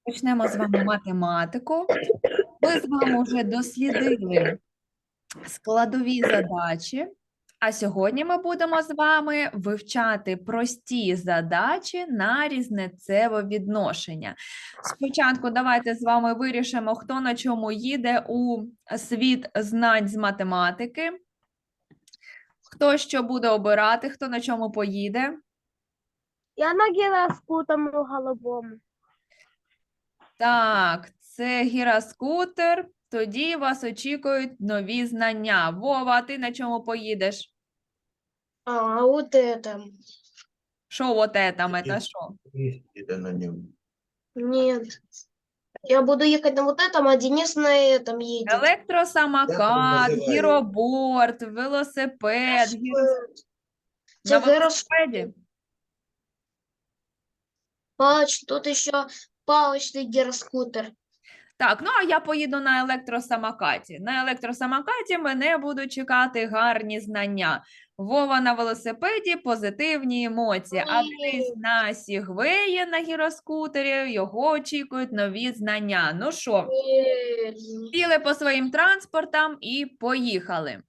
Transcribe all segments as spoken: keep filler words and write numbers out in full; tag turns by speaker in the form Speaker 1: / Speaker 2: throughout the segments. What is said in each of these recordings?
Speaker 1: Почнемо з вами математику. Ми з вами вже дослідили складові задачі, а сьогодні ми будемо з вами вивчати прості задачі на різницеве відношення. Спочатку давайте з вами вирішимо, хто на чому їде у світ знань з математики. Хто що буде обирати, хто на чому поїде.
Speaker 2: Я на гіроскутеру голубому.
Speaker 1: Так, це гіроскутер. Тоді вас очікують нові знання. Вова, а ти на чому поїдеш?
Speaker 2: А, вот это.
Speaker 1: Що от это, це що?
Speaker 3: Это на нем.
Speaker 2: Нет. Я буду ехать на вот этом, а Денис на этом едет.
Speaker 1: Електросамокат,
Speaker 3: називають?
Speaker 1: гіроборд, велосипед. гіро-
Speaker 2: Це
Speaker 1: На
Speaker 2: гірос-
Speaker 1: велосипеді?
Speaker 2: Палыч, тут еще палочный гироскутер.
Speaker 1: Так, ну а я поїду на електросамокаті. На електросамокаті мене будуть чекати гарні знання. Вова на велосипеді, позитивні емоції. А Денис на сігвеї на гіроскутері, його очікують нові знання. Ну що, сіли по своїм транспортам і поїхали.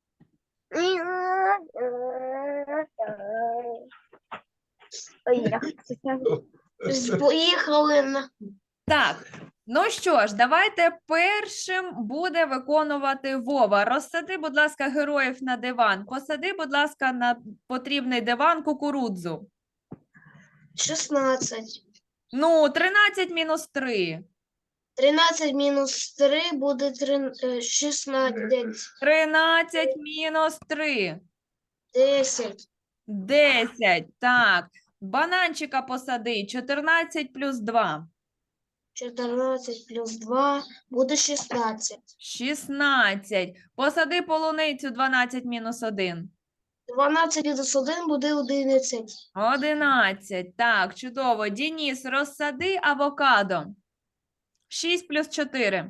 Speaker 2: Поехали на...
Speaker 1: Так, ну що ж, давайте першим буде виконувати Вова. Розсади, будь ласка, героїв на диван. Посади, будь ласка, на потрібний диван кукурудзу.
Speaker 2: шестнадцать.
Speaker 1: Ну, тринадцять мінус три.
Speaker 2: тринадцать минус три будет трин- э, шестнадцать.
Speaker 1: тринадцять мінус три.
Speaker 2: десять.
Speaker 1: десять. Так. Бананчика посади. чотирнадцять плюс два.
Speaker 2: четырнадцать плюс два будет шестнадцать.
Speaker 1: шістнадцять. Посади полуницю. дванадцять мінус один.
Speaker 2: дванадцать минус один будет одиннадцать.
Speaker 1: одинадцять. Так, чудово. Дініс, розсади авокадо. шість плюс чотири.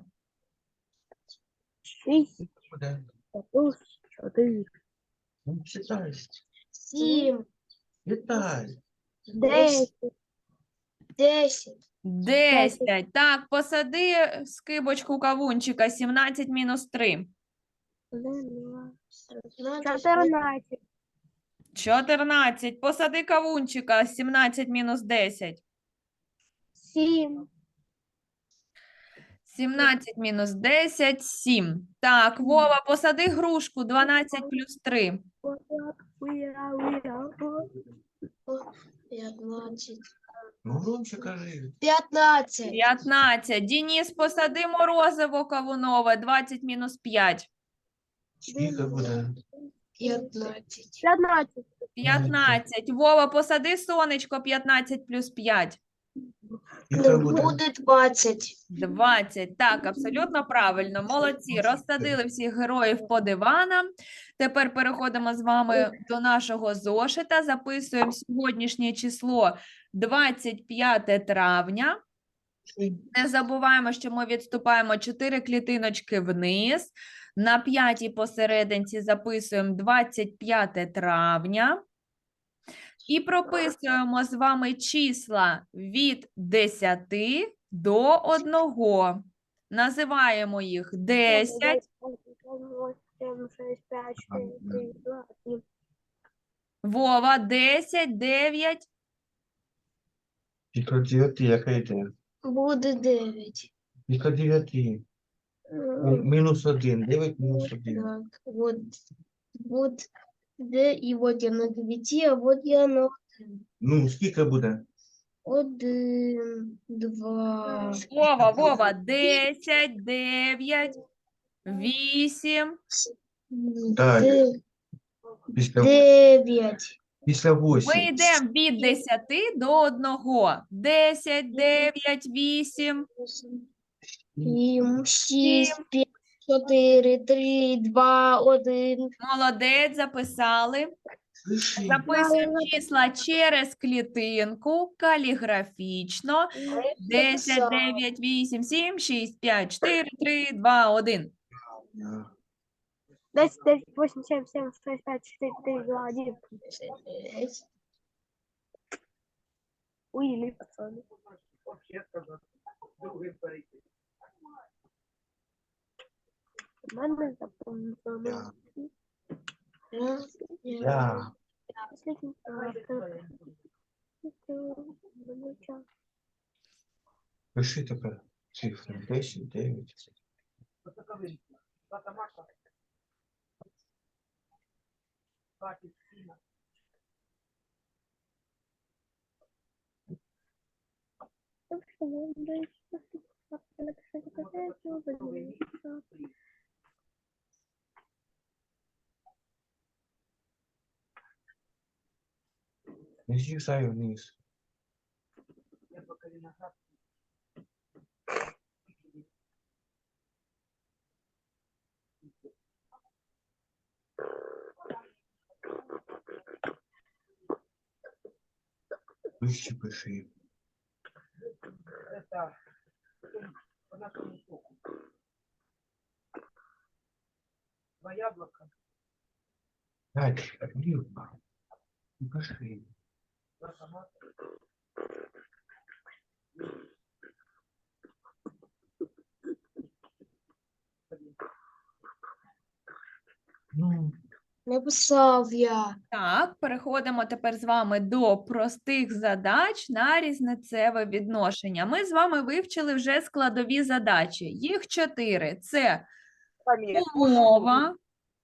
Speaker 2: шесть
Speaker 3: Куда?
Speaker 2: плюс четыре.
Speaker 3: Ну, считай.
Speaker 2: семь.
Speaker 3: Летай.
Speaker 2: десять. десять.
Speaker 1: десять. Так, посади скибочку кавунчика. сімнадцять мінус три.
Speaker 2: четырнадцать.
Speaker 1: чотирнадцять. Посади кавунчика. сімнадцять мінус десять.
Speaker 2: семь.
Speaker 1: сімнадцять мінус десять. сім. Так, Вова, посади грушку. дванадцять плюс три.
Speaker 2: пятнадцать.
Speaker 3: Ну, громче кажи.
Speaker 2: пятнадцать.
Speaker 1: п'ятнадцять. Дініс, посади морозиво кавунове. двадцять мінус п'ять.
Speaker 3: Скільки буде?
Speaker 2: пятнадцать. пятнадцать.
Speaker 1: п'ятнадцять. Вова, посади сонечко. п'ятнадцять плюс п'ять.
Speaker 3: Скільки буде?
Speaker 2: Будет двадцать.
Speaker 1: двадцять. Так, абсолютно правильно. Молодці. Розсадили всіх героїв по диванам. Тепер переходимо з вами до нашого зошита. Записуємо сьогоднішнє число двадцять п'яте травня. Не забуваємо, що ми відступаємо чотири клітиночки вниз. На п'ятій посерединці записуємо двадцять п'яте травня. І прописуємо з вами числа від десяти до одного. Називаємо їх десять. Вова, десять, дев'ять.
Speaker 3: Скільки дев'яти, яка йде?
Speaker 2: Будет девять.
Speaker 3: Скільки дев'яти? Мінус один. Дев'ять мінус один.
Speaker 2: Так, вот, вот, да, и вот я на девяти, а вот я на
Speaker 3: Ну, скільки буде?
Speaker 2: один, два,
Speaker 1: Вова, Вова, десять, дев'ять, вісім.
Speaker 3: Так.
Speaker 2: де-
Speaker 3: Після,
Speaker 2: девять,
Speaker 3: після
Speaker 1: Ми
Speaker 3: восьми.
Speaker 1: йдемо від десяти до одного. десять, дев'ять, вісім.
Speaker 2: семь, шесть, пять, четыре, три, два, один.
Speaker 1: Молодець, записали.
Speaker 3: Слыши,
Speaker 1: Записуємо числа через клітинку, каліграфічно. десять, дев'ять, вісім, сім, шість, п'ять, чотири, три, два, один.
Speaker 2: десять, девять, восемь, семь, семь, шесть, пять, четыре, три, два, один. Уйли, пацаны. У мене запомнено.
Speaker 3: Я.
Speaker 2: Раз,
Speaker 3: Я.
Speaker 2: Последний час.
Speaker 3: Пиши тепер цифри. десять, дев'ять. Не з'їжджай вниз. Вище пиши. Дальше, вліво. Пиши. Ну,
Speaker 2: Написав я.
Speaker 1: Так, переходимо тепер з вами до простих задач на різницеве відношення. Ми з вами вивчили вже складові задачі. Їх чотири. Це умова,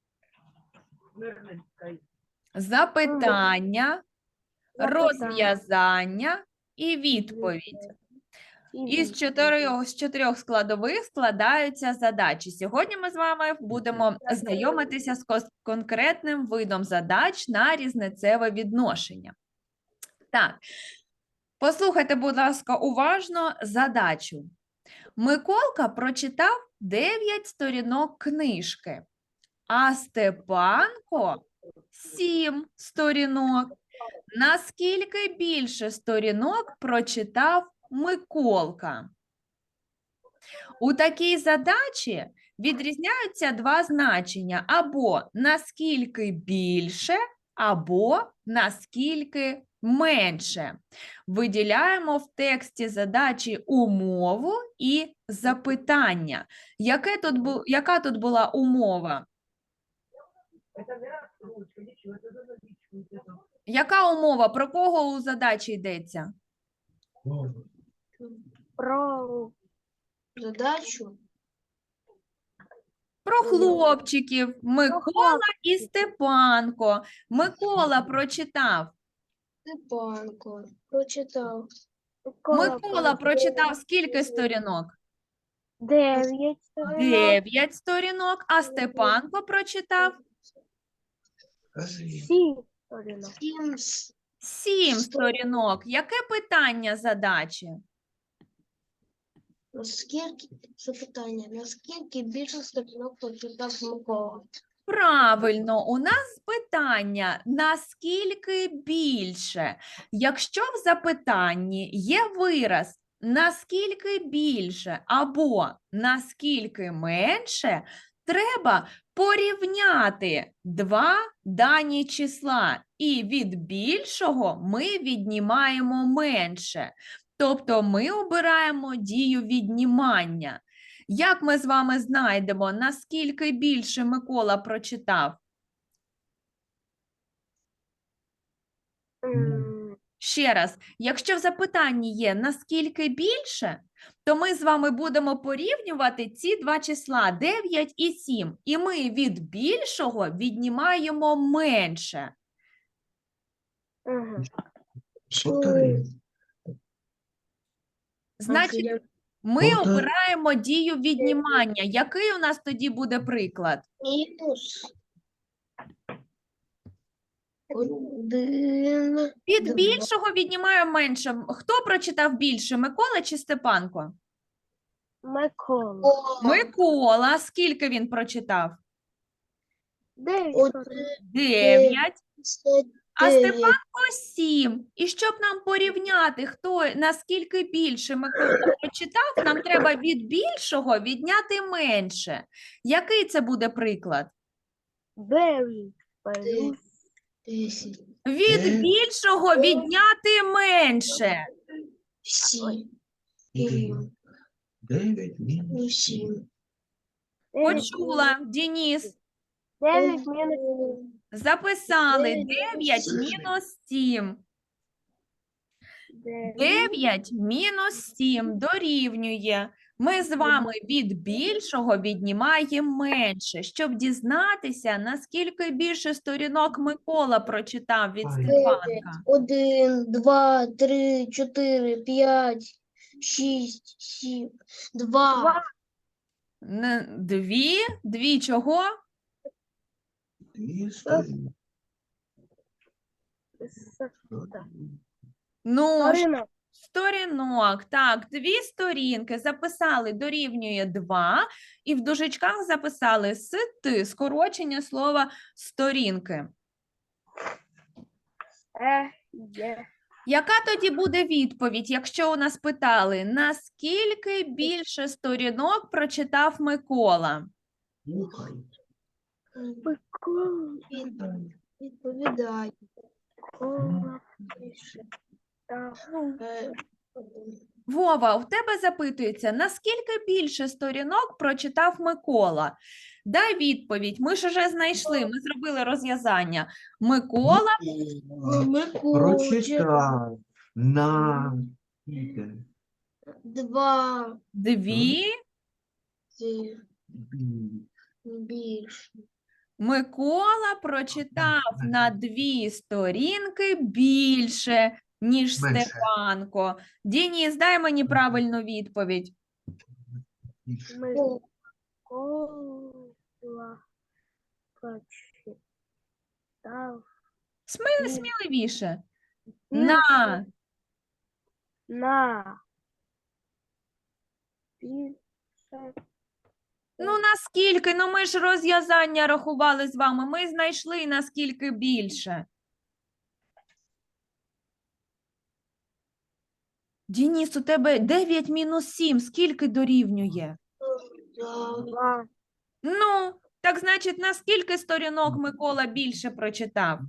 Speaker 1: запитання, розв'язання і відповідь. Із чотирьох, з чотирьох складових складаються задачі. Сьогодні ми з вами будемо знайомитися з кос- конкретним видом задач на різницеве відношення. Так, послухайте, будь ласка, уважно задачу. Миколка прочитав дев'ять сторінок книжки, а Степанко сім сторінок. Наскільки більше сторінок прочитав Миколка? У такій задачі відрізняються два значення: або наскільки більше, або наскільки менше. Виділяємо в тексті задачі умову і запитання. Яке тут бу... Яка тут була умова? Яка умова? Про кого у задачі йдеться?
Speaker 3: ну,
Speaker 2: Про задачу.
Speaker 1: Про хлопчиків Микола і Степанко. Микола прочитав.
Speaker 2: Степанко прочитав.
Speaker 1: Микола прочитав скільки сторінок?
Speaker 2: Дев'ять сторінок.
Speaker 1: Дев'ять сторінок, а Степанко прочитав
Speaker 3: скажи.
Speaker 2: Сім сторінок. Сім.
Speaker 1: сім сторінок. Яке питання задачі?
Speaker 2: Наскільки, запитання, наскільки більше сторінок прочитав Микола?
Speaker 1: Правильно, у нас питання, наскільки більше? Якщо в запитанні є вираз наскільки більше або наскільки менше, треба порівняти два дані числа, і від більшого ми віднімаємо менше. Тобто ми обираємо дію віднімання. Як ми з вами знайдемо, наскільки більше Микола прочитав?
Speaker 2: М,
Speaker 1: Ще раз, якщо в запитанні є наскільки більше, то ми з вами будемо порівнювати ці два числа дев'ять і сім. І ми від більшого віднімаємо менше.
Speaker 2: ага.
Speaker 3: Повтори.
Speaker 1: Значить, ми
Speaker 3: Повтори.
Speaker 1: обираємо дію віднімання. Який у нас тоді буде приклад?
Speaker 2: Мінус. Один.
Speaker 1: Від
Speaker 2: Два.
Speaker 1: більшого віднімаємо менше. Хто прочитав більше, Микола чи Степанко?
Speaker 2: Микола.
Speaker 1: Микола. Скільки він прочитав?
Speaker 2: Дев'ять
Speaker 3: Один.
Speaker 2: сторінок.
Speaker 1: Дев'ять. А
Speaker 2: Дев'ять.
Speaker 1: Степанко сім. І щоб нам порівняти, хто наскільки більше Микола прочитав, нам треба від більшого відняти менше. Який це буде приклад?
Speaker 2: Дев'ять. Плюс
Speaker 3: Десять.
Speaker 1: Від
Speaker 3: Е.
Speaker 1: більшого відняти менше.
Speaker 2: сім.
Speaker 3: Сім. дев'ять мінус
Speaker 2: Сім.
Speaker 1: Почула. Дініс.
Speaker 2: Дев'ять мінус
Speaker 1: Записали.
Speaker 2: Дев'ять
Speaker 1: дев'ять
Speaker 3: сім.
Speaker 1: мінус сім.
Speaker 2: дев'ять.
Speaker 1: дев'ять мінус сім дорівнює. Ми з вами від більшого віднімаємо менше, щоб дізнатися, наскільки більше сторінок Микола прочитав від
Speaker 3: Ай.
Speaker 1: Степанка.
Speaker 2: Один, два, три, чотири, п'ять, шість, сім, два.
Speaker 1: Н- Дві? Дві чого?
Speaker 3: Дві сторінки.
Speaker 1: Ну, ж, сторінок. Так, дві сторінки записали дорівнює два, і в дужечках записали сити, скорочення слова сторінки.
Speaker 2: Е, є.
Speaker 1: Яка тоді буде відповідь, якщо у нас питали, наскільки більше сторінок прочитав Микола?
Speaker 3: Слухай.
Speaker 2: Відповідай. Відповідай. Е,
Speaker 1: Вова, у тебе запитується, наскільки більше сторінок прочитав Микола? Дай відповідь, ми ж уже знайшли, ми зробили розв'язання. Микола
Speaker 2: Микола.
Speaker 3: Прочитав на скільки?
Speaker 2: Два.
Speaker 1: дві,
Speaker 2: Ці.
Speaker 3: Бі-
Speaker 2: Більше.
Speaker 1: Микола прочитав на дві сторінки більше, ніж
Speaker 3: Менше.
Speaker 1: Степанко. Дініс, дай мені правильну відповідь.
Speaker 3: більше.
Speaker 2: Микола прочитав
Speaker 1: Смі-
Speaker 2: Ні.
Speaker 1: Сміливіше. На.
Speaker 2: на більше.
Speaker 1: Ну, наскільки? Ну, ми ж розв'язання рахували з вами. Ми знайшли, наскільки більше. Дініс, у тебе дев'ять мінус сім. Скільки дорівнює?
Speaker 2: Два.
Speaker 1: Ну, так значить, на скільки сторінок Микола більше прочитав?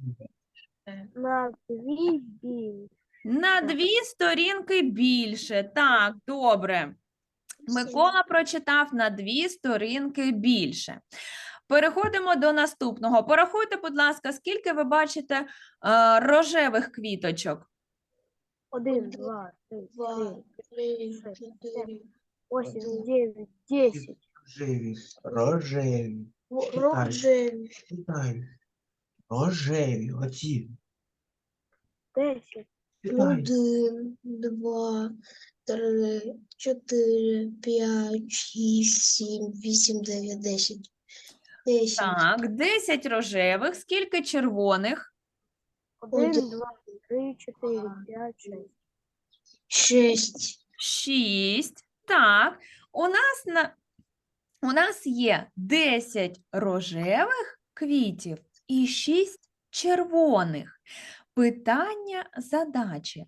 Speaker 2: На дві більше.
Speaker 1: На дві сторінки більше. Так, добре. Микола прочитав на дві сторінки більше. Переходимо до наступного. Порахуйте, будь ласка, скільки ви бачите е, рожевих квіточок?
Speaker 2: Один, два, три,
Speaker 4: Два,
Speaker 2: чотири,
Speaker 4: три,
Speaker 2: шість,
Speaker 4: чотири,
Speaker 2: восемь, дев'ять, десять.
Speaker 3: Рожеві. Рожеві.
Speaker 4: рожеві,
Speaker 3: Читай. Рожеві. Оці.
Speaker 2: Десять.
Speaker 3: Читай.
Speaker 4: один, два, три, чотири, п'ять, шість, сім, вісім, дев'ять, десять. Десять.
Speaker 1: Так, десять рожевих. Скільки червоних?
Speaker 2: Один,
Speaker 4: Один.
Speaker 2: два, три, чотири, п'ять, шість.
Speaker 4: Шість.
Speaker 1: шість. Так, у нас, на... у нас є десять рожевих квітів і шість червоних. Питання задачі.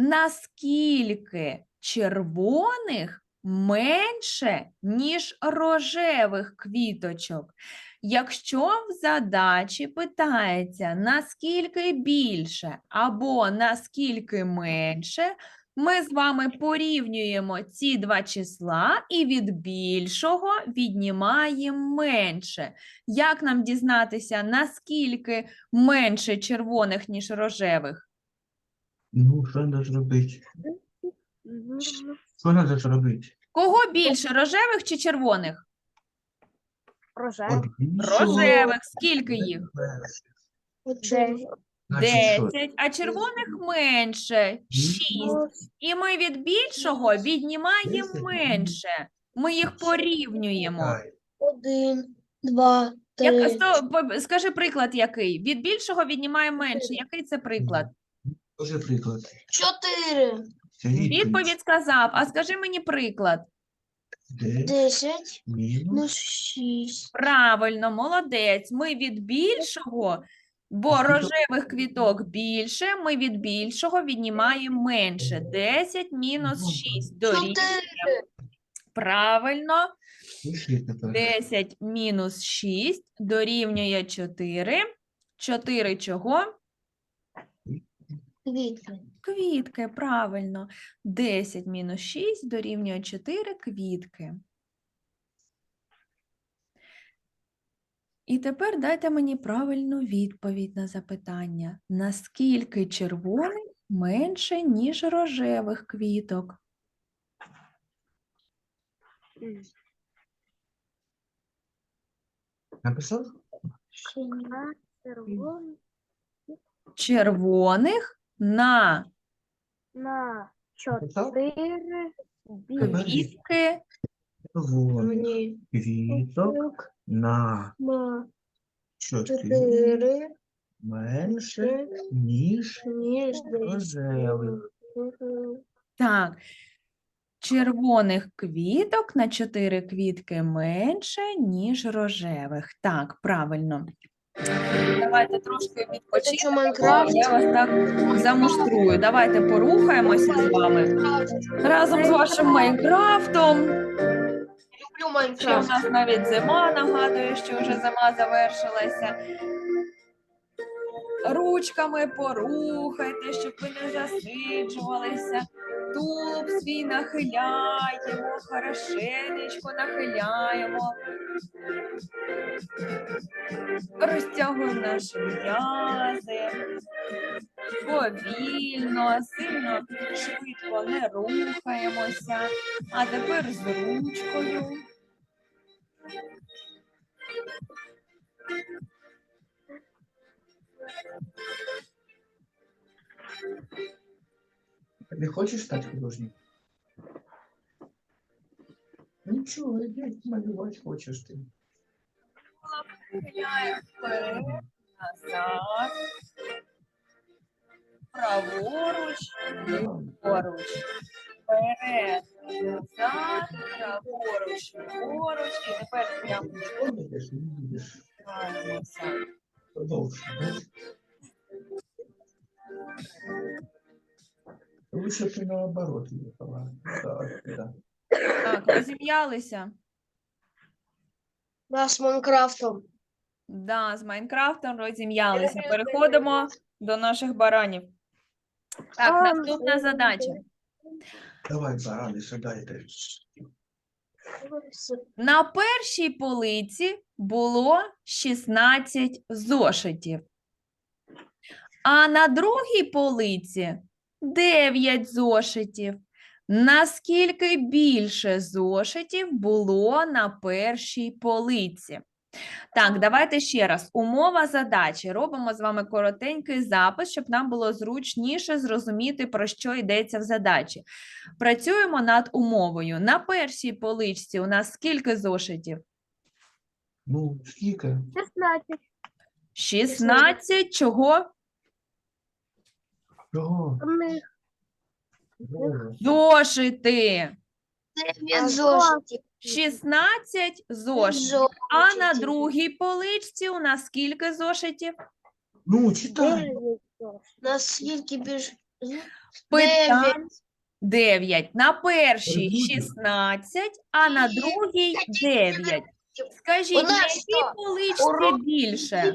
Speaker 1: Наскільки червоних менше, ніж рожевих квіточок? Якщо в задачі питається, наскільки більше або наскільки менше, ми з вами порівнюємо ці два числа і від більшого віднімаємо менше. Як нам дізнатися, наскільки менше червоних, ніж рожевих?
Speaker 3: Ну, що треба зробити?
Speaker 2: Мгм.
Speaker 3: Що треба зробити?
Speaker 1: Кого більше, рожевих чи червоних?
Speaker 2: Рожевий.
Speaker 3: От більшого.
Speaker 1: Рожевих. Скільки їх?
Speaker 4: Чотири.
Speaker 3: Значить, що?
Speaker 1: десять, а червоних менше – шість. І ми від більшого віднімаємо
Speaker 3: Десять.
Speaker 1: менше. Ми їх порівнюємо.
Speaker 3: Читай.
Speaker 4: Один, два,
Speaker 1: Як,
Speaker 4: три.
Speaker 1: сто- по- скажи приклад який? Від більшого віднімаємо менше. Який це приклад?
Speaker 3: Скажи приклад.
Speaker 4: Чотири.
Speaker 3: Це відповідь.
Speaker 1: Відповідь сказав, а скажи мені приклад.
Speaker 3: Де
Speaker 4: Десять.
Speaker 3: мінус
Speaker 4: Плюс шість.
Speaker 1: Правильно, молодець. Ми від більшого, бо
Speaker 3: Скільки?
Speaker 1: рожевих квіток більше, ми від більшого віднімаємо менше. десять мінус шість дорівнює.
Speaker 4: Чотири.
Speaker 1: Правильно.
Speaker 3: пиши тепер.
Speaker 1: десять мінус шість дорівнює чотири. чотири чого?
Speaker 2: Квітки.
Speaker 1: Квітки, правильно. десять мінус шість дорівнює чотири квітки. І тепер дайте мені правильну відповідь на запитання. Наскільки червоних менше, ніж рожевих квіток?
Speaker 3: Написав?
Speaker 1: Червоних на
Speaker 4: На
Speaker 3: Написав?
Speaker 4: чотири
Speaker 3: Тепер
Speaker 1: квітки
Speaker 3: червоних
Speaker 2: Мені
Speaker 3: квіток на
Speaker 2: на
Speaker 3: чотири
Speaker 2: чотири
Speaker 3: менше, ніж
Speaker 2: ніж
Speaker 3: рожевих.
Speaker 1: Так, червоних квіток на чотири квітки менше, ніж рожевих. Так, правильно. Давайте трошки
Speaker 2: Це що,
Speaker 1: відпочинемо.
Speaker 2: Майнкрафт?
Speaker 1: Я вас так замуштрую. Давайте порухаємося з вами разом з вашим Майнкрафтом.
Speaker 2: Люблю
Speaker 1: Ще в
Speaker 2: Майнкрафт.
Speaker 1: нас навіть зима нагадує, що вже зима завершилася. Ручками порухайте, щоб ви не засиджувалися. Тулуб свій нахиляємо, хорошенечко нахиляємо. Розтягуємо наші м'язи. Повільно, сильно, швидко не рухаємося. А тепер з ручкою.
Speaker 3: Не хочеш стати художником? Нічого, іди малювати хочеш ти.
Speaker 1: Нахиляємо вперед, назад. Праворуч, ліворуч. Вперед, назад, праворуч, ліворуч. І тепер прямо
Speaker 3: Помниш, не будеш.
Speaker 1: тримаємося.
Speaker 3: Продовжуй. Лучше б ти наоборот їхала. Так, так.
Speaker 1: Так, розім'ялися?
Speaker 2: Да, з Майнкрафтом.
Speaker 1: Да, з Майнкрафтом розім'ялися. Переходимо до наших баранів. Так, наступна задача.
Speaker 3: Давай, барани, сідайте.
Speaker 1: На першій полиці було шістнадцять зошитів, а на другій полиці дев'ять зошитів. Наскільки більше зошитів було на першій полиці? Так, давайте ще раз. Умова задачі. Робимо з вами коротенький запис, щоб нам було зручніше зрозуміти, про що йдеться в задачі. Працюємо над умовою. На першій поличці у нас скільки зошитів?
Speaker 3: Ну, скільки?
Speaker 4: шістнадцять.
Speaker 1: шістнадцять чого?
Speaker 3: Чого?
Speaker 4: Них
Speaker 3: Чого?
Speaker 1: Зошити.
Speaker 2: Дев'ять зошитів.
Speaker 1: шістнадцять зошитів. А на другій поличці у нас скільки зошитів?
Speaker 3: Ну, читай.
Speaker 2: Наскільки більш...
Speaker 1: Питань дев'ять. На першій
Speaker 3: Перебудь.
Speaker 1: шістнадцять, а на другій дев'ять. Скажіть,
Speaker 2: У
Speaker 1: на
Speaker 2: нас
Speaker 1: якій
Speaker 2: що,
Speaker 1: поличці
Speaker 2: урок
Speaker 1: більше?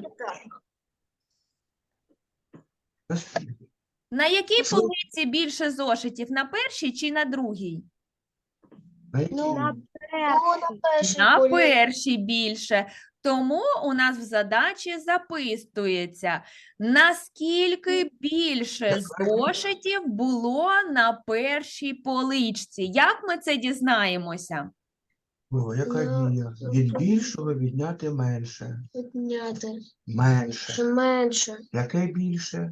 Speaker 3: Наскільки?
Speaker 1: На якій
Speaker 3: Що?
Speaker 1: полиці більше зошитів? На першій чи на другій?
Speaker 3: На якій?
Speaker 2: Ну,
Speaker 4: на
Speaker 2: Ну,
Speaker 4: першій.
Speaker 2: на першій
Speaker 1: На
Speaker 2: полі-
Speaker 1: першій більше. Тому у нас в задачі записується, наскільки більше зошитів було на першій поличці. Як ми це дізнаємося?
Speaker 3: О, яка
Speaker 2: Ну,
Speaker 3: дія? Від більшого відняти менше.
Speaker 2: Підняти.
Speaker 3: Менше.
Speaker 2: Чи менше.
Speaker 3: Яке більше?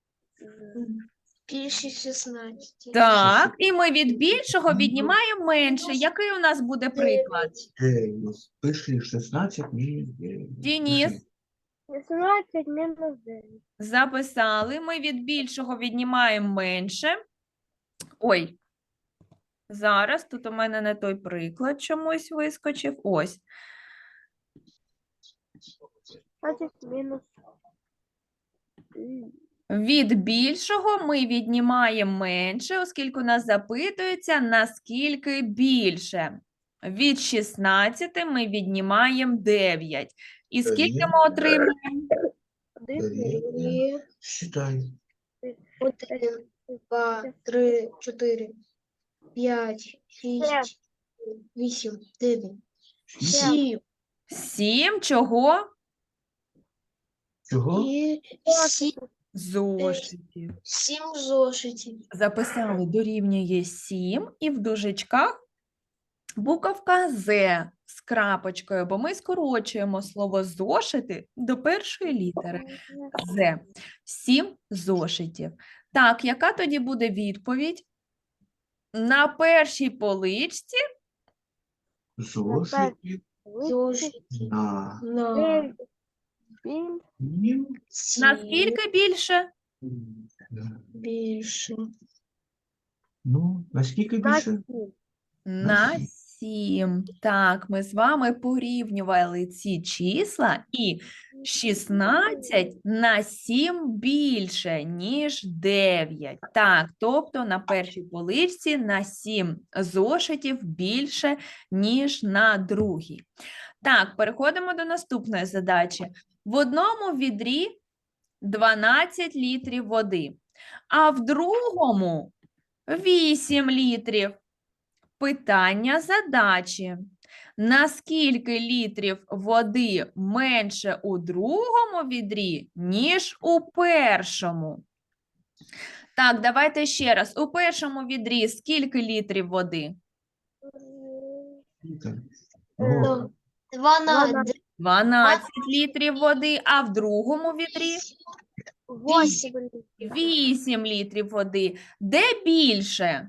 Speaker 2: Більше шістнадцять.
Speaker 1: Так, і ми від більшого віднімаємо менше. Який у нас буде приклад?
Speaker 3: дев'ять. Пиши шістнадцять мінус дев'ять.
Speaker 1: Дініс,
Speaker 4: шістнадцять мінус дев'ять.
Speaker 1: записали. Ми від більшого віднімаємо менше. Ой, зараз тут у мене не той приклад чомусь вискочив. Ось.
Speaker 4: Значить, мінус.
Speaker 1: Від більшого ми віднімаємо менше, оскільки у нас запитується, наскільки більше. Від шістнадцяти ми віднімаємо дев'ять. І скільки ми отримаємо?
Speaker 4: Один.
Speaker 3: Дев'ять.
Speaker 2: І
Speaker 3: Считай.
Speaker 2: Один, два, три, чотири, п'ять, шість, вісім, дев'ять, сім.
Speaker 1: Сім чого?
Speaker 3: Чого?
Speaker 2: І сім,
Speaker 1: Зошитів.
Speaker 2: сім зошитів.
Speaker 1: Записали дорівнює сім і в дужечках буковка З з крапочкою, бо ми скорочуємо слово зошити до першої літери З. Сім зошитів. Так, яка тоді буде відповідь? На першій поличці
Speaker 3: Зошитів
Speaker 2: Зошит
Speaker 3: на
Speaker 2: на
Speaker 3: сім
Speaker 1: наскільки більше?
Speaker 2: більше.
Speaker 3: Ну, наскільки більше?
Speaker 1: На сім. Так, ми з вами порівнювали ці числа, і шістнадцять на сім більше, ніж дев'ять. Так, тобто на першій поличці на сім зошитів більше, ніж на другій. Так, переходимо до наступної задачі. В одному відрі дванадцять літрів води, а в другому вісім літрів. Питання задачі. Наскільки літрів води менше у другому відрі, ніж у першому? Так, давайте ще раз. У першому відрі скільки літрів води?
Speaker 3: О,
Speaker 2: Дванадцять.
Speaker 1: дванадцять літрів води, а в другому відрі
Speaker 4: Восемь.
Speaker 1: вісім літрів води. Де більше?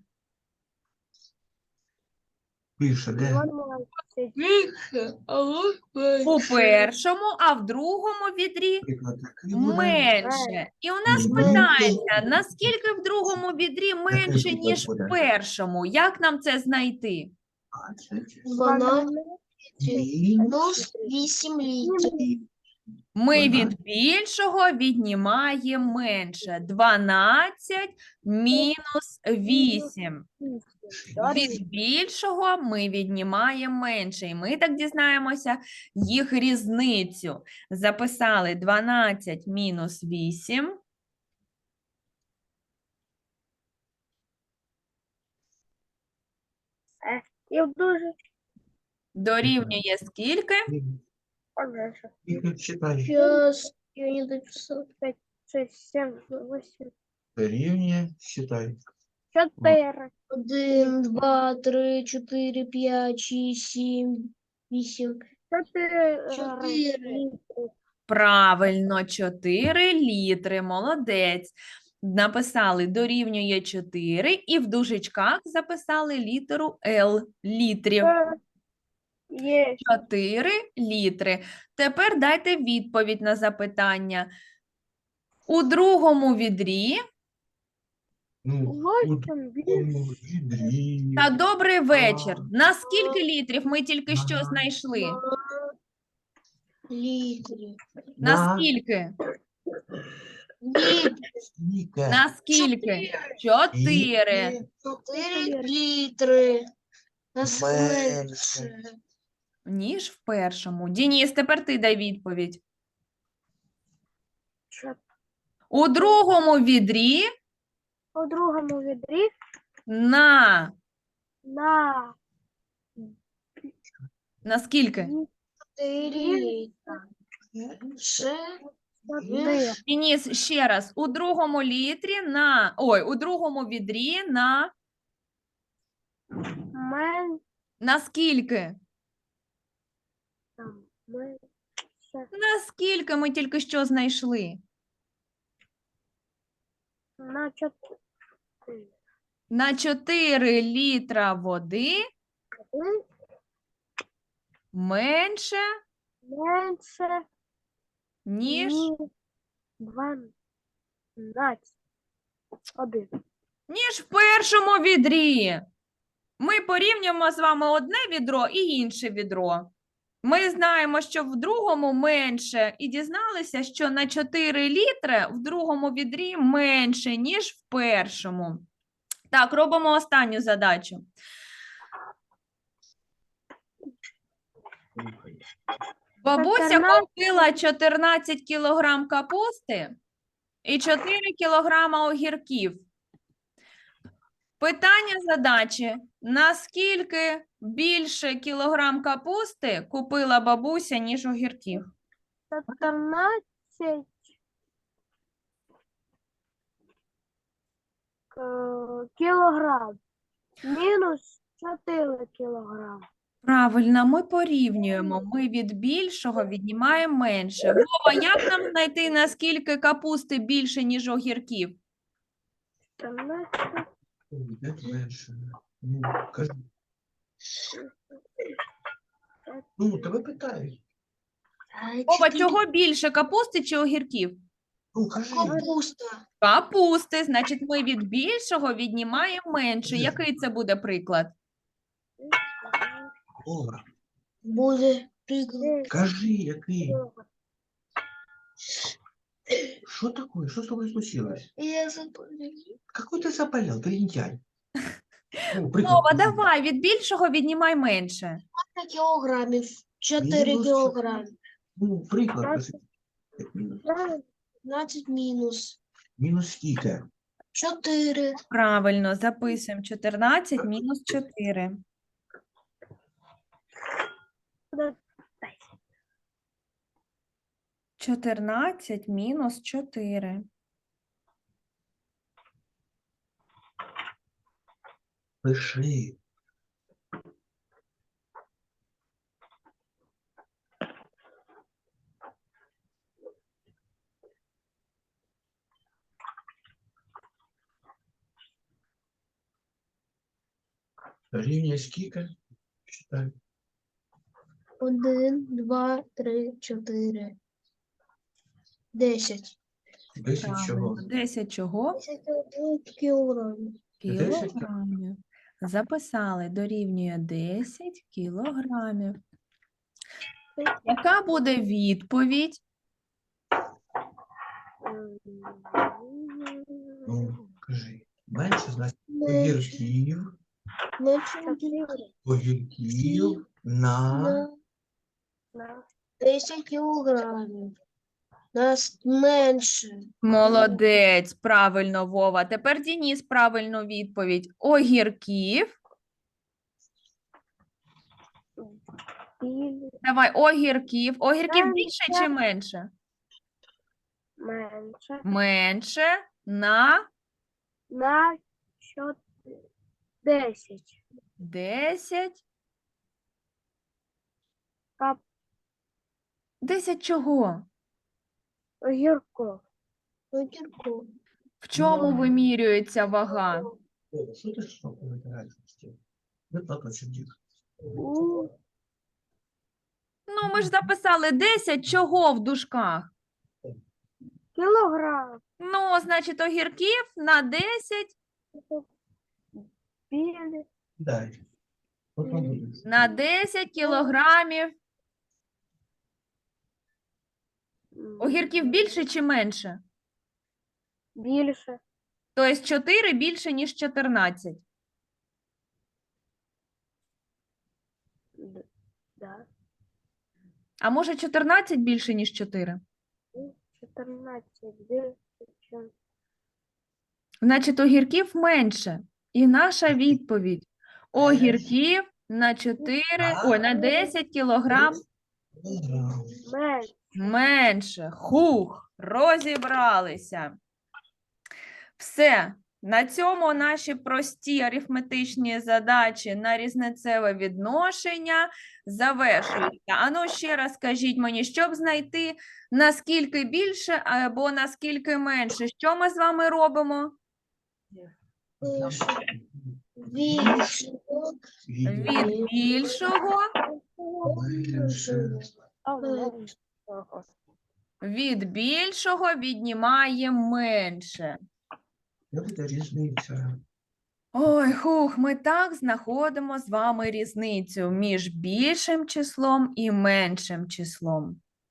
Speaker 3: більше, де?
Speaker 4: Дванадцать.
Speaker 2: Більше, але
Speaker 1: У першому, а в другому відрі
Speaker 3: Наприклад, такий буде.
Speaker 1: менше. І у нас
Speaker 3: Ні,
Speaker 1: питається, наскільки в другому відрі менше,
Speaker 3: буде,
Speaker 1: ніж
Speaker 3: буде.
Speaker 1: в першому? Як нам це знайти?
Speaker 3: двадцять,
Speaker 2: дванадцять
Speaker 3: сім,
Speaker 2: плюс вісім літрів.
Speaker 1: Ми
Speaker 3: Дванадцять.
Speaker 1: від більшого віднімаємо менше. дванадцять мінус вісім. Від більшого ми віднімаємо менше. І ми так дізнаємося їх різницю. Записали дванадцять мінус вісім.
Speaker 4: І в дуже
Speaker 1: Дорівнює скільки?
Speaker 4: пожежа.
Speaker 3: Скільки читай?
Speaker 2: Сейчас я не дописала.
Speaker 4: Шесть, семь, восемь,
Speaker 3: Рівня, читай.
Speaker 4: чотири.
Speaker 2: Один, два, три, чотири, п'ять, шість, сім, вісім.
Speaker 4: Чотири.
Speaker 2: Чотири.
Speaker 4: літри.
Speaker 1: Правильно, чотири літри. Молодець. Написали дорівнює чотири і в дужечках записали літеру Л літрів.
Speaker 4: Є.
Speaker 1: чотири літри. Тепер дайте відповідь на запитання. У другому відрі
Speaker 3: Ну, у
Speaker 4: Восемь.
Speaker 3: другому відрі.
Speaker 1: та добрий вечір. На скільки літрів ми тільки що
Speaker 3: Ага.
Speaker 1: знайшли?
Speaker 2: Літрів.
Speaker 1: На
Speaker 3: На
Speaker 1: скільки?
Speaker 2: Літрів.
Speaker 3: скільки?
Speaker 1: На скільки? Чотири.
Speaker 2: Чотири літри. Нас
Speaker 3: Менше.
Speaker 2: менше.
Speaker 1: Ніж в першому. Дініс, тепер ти дай відповідь.
Speaker 4: Чотири.
Speaker 1: У другому відрі
Speaker 4: У другому відрі
Speaker 1: на,
Speaker 4: на
Speaker 1: на скільки?
Speaker 2: Чотири літри. Ще
Speaker 4: чотири.
Speaker 1: Дініс, ще раз. У другому літрі на, ой, у другому відрі на,
Speaker 4: Мен
Speaker 1: на скільки?
Speaker 4: там менше.
Speaker 1: На скільки ми тільки що знайшли?
Speaker 4: На чотири.
Speaker 1: На чотири літра води менше,
Speaker 4: Менше.
Speaker 1: ніж,
Speaker 4: Дванадцять. Один.
Speaker 1: ніж в першому відрі. Ми порівнюємо з вами одне відро і інше відро. Ми знаємо, що в другому менше, і дізналися, що на чотири літри в другому відрі менше, ніж в першому. Так, робимо останню задачу. Бабуся
Speaker 4: чотирнадцять.
Speaker 1: купила чотирнадцять кілограм капусти і чотири кілограма огірків. Питання задачі. Наскільки більше кілограм капусти купила бабуся, ніж огірків?
Speaker 4: чотирнадцять е, кілограм. Мінус чотири кілограм.
Speaker 1: Правильно, ми порівнюємо. Ми від більшого віднімаємо менше. Вова, як нам знайти, наскільки капусти більше, ніж огірків?
Speaker 4: чотирнадцять.
Speaker 3: Де менше? Ну, кажи. Ну, тебе питають.
Speaker 1: Вова, чого більше, капусти чи огірків?
Speaker 3: Ну, кажи.
Speaker 2: Капуста.
Speaker 1: Капусти, значить, ми від більшого віднімаємо менше. Який це буде приклад?
Speaker 3: Ора,
Speaker 2: Буде приклад.
Speaker 3: кажи, який? Что такое? Что с тобой случилось?
Speaker 2: Я забула.
Speaker 3: Какой ты заболел? Ты лентяй. Ну, приклад
Speaker 1: Вова,
Speaker 3: приведи.
Speaker 1: давай, від більшого віднімай менше.
Speaker 2: Кілограмів. Чотири
Speaker 3: Мінус
Speaker 2: кілограми.
Speaker 3: Ну, приклад.
Speaker 4: Двадцять.
Speaker 3: кажи. Мінус.
Speaker 2: дванадцять мінус.
Speaker 3: Мінус скільки?
Speaker 2: Чотири.
Speaker 1: Правильно, записуємо чотирнадцять мінус чотири. чотирнадцять мінус чотири.
Speaker 3: Пиши. Рівня скільки? Читай.
Speaker 2: Один, два, три, чотири. Десять.
Speaker 3: Десять чого?
Speaker 1: Правильно. десять чого?
Speaker 2: Десять кілограмів.
Speaker 3: Десять
Speaker 1: Кілограмів. Записали, дорівнює десять кілограмів. Яка буде відповідь?
Speaker 3: Ну, кажи. Менше, значить, огірків, огірків на...
Speaker 2: На десять кілограмів. Нас менше.
Speaker 1: Молодець, правильно, Вова. Тепер Дініс правильну відповідь. Огірків. Давай, огірків. Огірків
Speaker 4: Менше.
Speaker 1: більше чи менше?
Speaker 4: Менше.
Speaker 1: Менше на
Speaker 4: На чотири. Десять.
Speaker 1: десять.
Speaker 4: Кап.
Speaker 1: десять чого?
Speaker 4: Огірков.
Speaker 2: Огірку.
Speaker 1: В чому вимірюється вага?
Speaker 3: О, що ти що повитираєш? Не платочок, дід.
Speaker 4: У
Speaker 1: Ну, ми ж записали десять чого в дужках?
Speaker 4: кілограм.
Speaker 1: Ну, значить, огірків на десять,
Speaker 4: Білі.
Speaker 3: Дай. Потім буде.
Speaker 1: на десять кілограмів.
Speaker 4: м,
Speaker 1: Огірків більше чи менше?
Speaker 4: Більше.
Speaker 1: Тобто чотири більше, ніж чотирнадцять.
Speaker 4: Д- Да.
Speaker 1: А може чотирнадцять більше, ніж чотири?
Speaker 4: чотирнадцять більше, чим
Speaker 1: Значить, огірків менше. І наша відповідь. Огірків на чотири, ой, на десять кілограм
Speaker 4: менше.
Speaker 1: менше. Хух, розібралися. Все. На цьому наші прості арифметичні задачі на різницеве відношення завершуються. Ану, ще раз скажіть мені, щоб знайти наскільки більше або наскільки менше, що ми з вами робимо?
Speaker 2: Більше.
Speaker 1: Від більшого,
Speaker 4: А, менше.
Speaker 1: від більшого віднімаємо менше.
Speaker 3: Як це різниця?
Speaker 1: Ой, хух, ми так знаходимо з вами різницю між більшим числом і меншим числом.